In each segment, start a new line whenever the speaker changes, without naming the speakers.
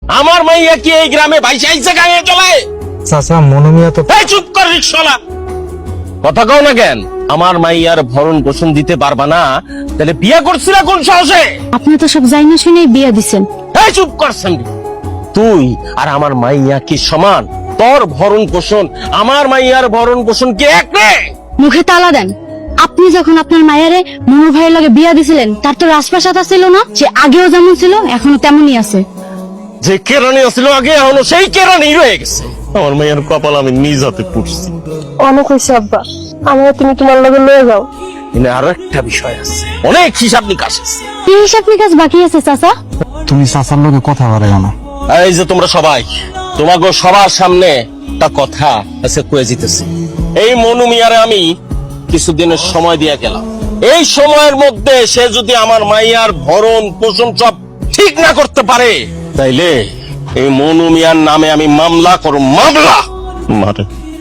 আমার মাইয়া কি এই গ্রামে ভাইসা আইসা গায়ে চলে?
চাচা মনোমিয়া তো
এই চুপ কর রিকশাওয়ালা, কথা কও না কেন? আমার মাইয়ার ভরণ পোষণ দিতে পারবা না, তাহলে বিয়ে করছিলা কোন সাহসে?
আপনি তো সব জানি না শুনে বিয়ে দিচ্ছেন।
এই চুপ করছেন, তুই আর আমার মাইয়া কি সমান? তোর ভরণ পোষণ আমার মাইয়ার ভরণ পোষণ কি এক রে?
মুখে তালা দেন। আপনি যখন আপনার মায়েরে মনোর ভাইয়ের লগে বিয়া দিছিলেন, তার তো রাজপ্রাসাদ ছিল না? সে আগেও যেমন ছিল এখনো তেমনই আছে।
যে কেরানি ছিল আগে, এখনো সেই কেরানি রয়ে গেছে। আমার মাইয়ার কপাল আমি নিজ হাতে পুড়ছি।
অনেক হয়েছে আব্বা, আমার তুমি তোমার লগে লয়ে যাও।
এখানে আরো একটা বিষয় আছে, অনেক হিসাব নিকাশ আছে।
কি হিসাব নিকাশ বাকি আছে চাচা?
তুমি চাচার লগে কথা বলে না।
এই যে তোমরা সবাই, তোমাকে সবার সামনে একটা কথা আছে কয়ে জিতেছি। এই মনু মিয়ারে আমি কিছুদিনের সময় দিয়ে গেলাম। এই সময়ের মধ্যে সে যদি আমার মাইয়ার ভরণ পোষণ সব ঠিক না করতে পারে, তাইলে এই মনু মিয়ার নামে আমি মামলা করব, মামলা। মারে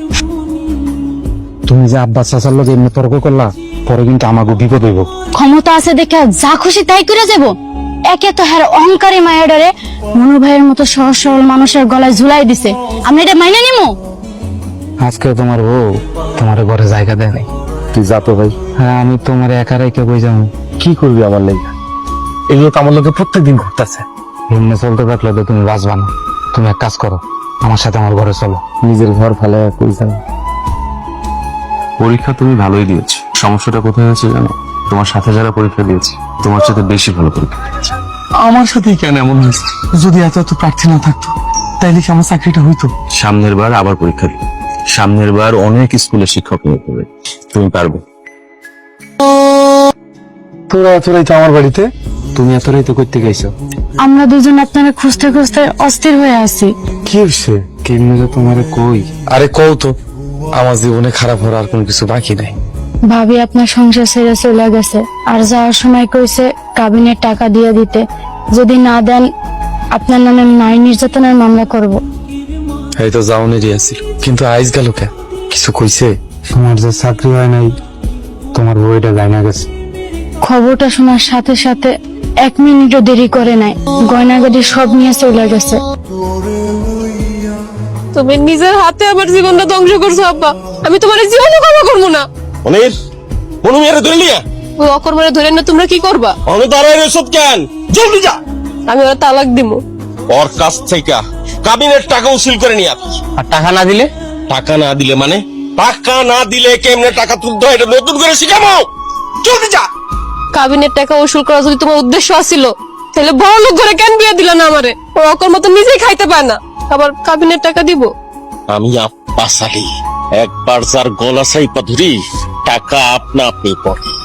তুমি যে আব্বা চাচার লগে এমনি তর্ক করলা, পরে কিন্তু আমাকে বিপদ হইব।
ক্ষমতা আছে দেখে যা খুশি তাই করে যাব। একে তো হ্যার অহংকারী মায়াডারে মনু ভাইয়ের মতো সহজ সরল মানুষের গলায় ঝুলাই দিছে। আমি এটা মাইনে নিমু?
আজকে তোমার বউ তোমার ঘরে জায়গা দেয় নাই। তুই যা তো ভাই। হ্যাঁ, আমি তোমার একা রেখে বই যাবো। কি করবি আমার লেগে? এগুলো তো আমার লোকে প্রত্যেকদিন ঘটতেছে। এমনি চলতে থাকলে তো তুমি বাঁচবা না। তুমি এক কাজ করো, আমার সাথে আমার ঘরে চলো। নিজের ঘর ফেলে কই যাবে?
পরীক্ষা তুমি ভালোই দিয়েছো, সমস্যাটা কোথায় হয়েছে জানো? তোমার সাথে যারা পরীক্ষা দিয়েছে তোমার সাথে বেশি ভালো পরীক্ষা দিয়েছে।
আমার সাথেই কেন এমন হয়েছে? যদি এত এত প্রার্থী না থাকতো, তাইলে কি আমার চাকরিটা হইতো?
সামনের বার আবার পরীক্ষা দিবে, সামনের বার অনেক স্কুলে শিক্ষক নিয়োগ হবে, তুমি পারবে।
তোরা এত রাইতে আমার বাড়িতে? তুমি এত রাইতে করতে গেছো?
আমরা দুজন আপনারা খুঁজতে খুঁজতে অস্থির হয়ে আছি।
কি হচ্ছে? কেমনে যে তোমারে কই? আরে কও তো, আমার জীবনে খারাপ হওয়ার আর কোনো কিছু বাকি নাই।
ভাবি আপনার সংসার ছেড়ে চলে গেছে, আর যাওয়ার সময় কইছে কাবিনের টাকা দিয়ে দিতে। যদি না দেন আপনার নামে নারী নির্যাতনের মামলা করব।
এই তো যাওনেরই আছিল, কিন্তু আইজ গেল কে? কিছু কইছে? তোমার যে চাকরি হয় নাই, তোমার বইটা জানা গেছে।
খবরটা শোনার সাথে সাথে 1 মিনিটও দেরি করে নাই, গয়নাগাড়ি সব নিয়ে চলে গেছে।
তুমি নিজের হাতে আমার জীবনটা ধ্বংস করছো আব্বা। আমি তোমার জীবনে ক্ষমা করবো না।
অনির, মনু মিয়ারে ধরে নিয়া
ওই অকর্মরে ধরে না তোমরা কি করবা?
আমি দাঁড়ায় এসব কেন? জলদি যা।
আমি ওরা তালাক দিমু।
ওর কাছ থেকে কাবিনের টাকা উসুল করে নিয়ে আসি।
আর টাকা না দিলে?
টাকা না দিলে মানে? টাকা না দিলে কেমনে টাকা তুলতে হয় এটা নতুন করে শিখাবো। জলদি যা।
কাবিনের টাকা উসুল করা যদি তোমার উদ্দেশ্য আছিল, তাহলে বড় লোক ঘরে কেন বিয়ে দিলা না আমারে? ও অকর্ম তো নিজেই খাইতে পায় না, আবার কাবিনের টাকা দিব?
আমি আব্বাস আলী, একবার যার গলা সাইপা ধরি টাকা আপনা আপনি পড়ে।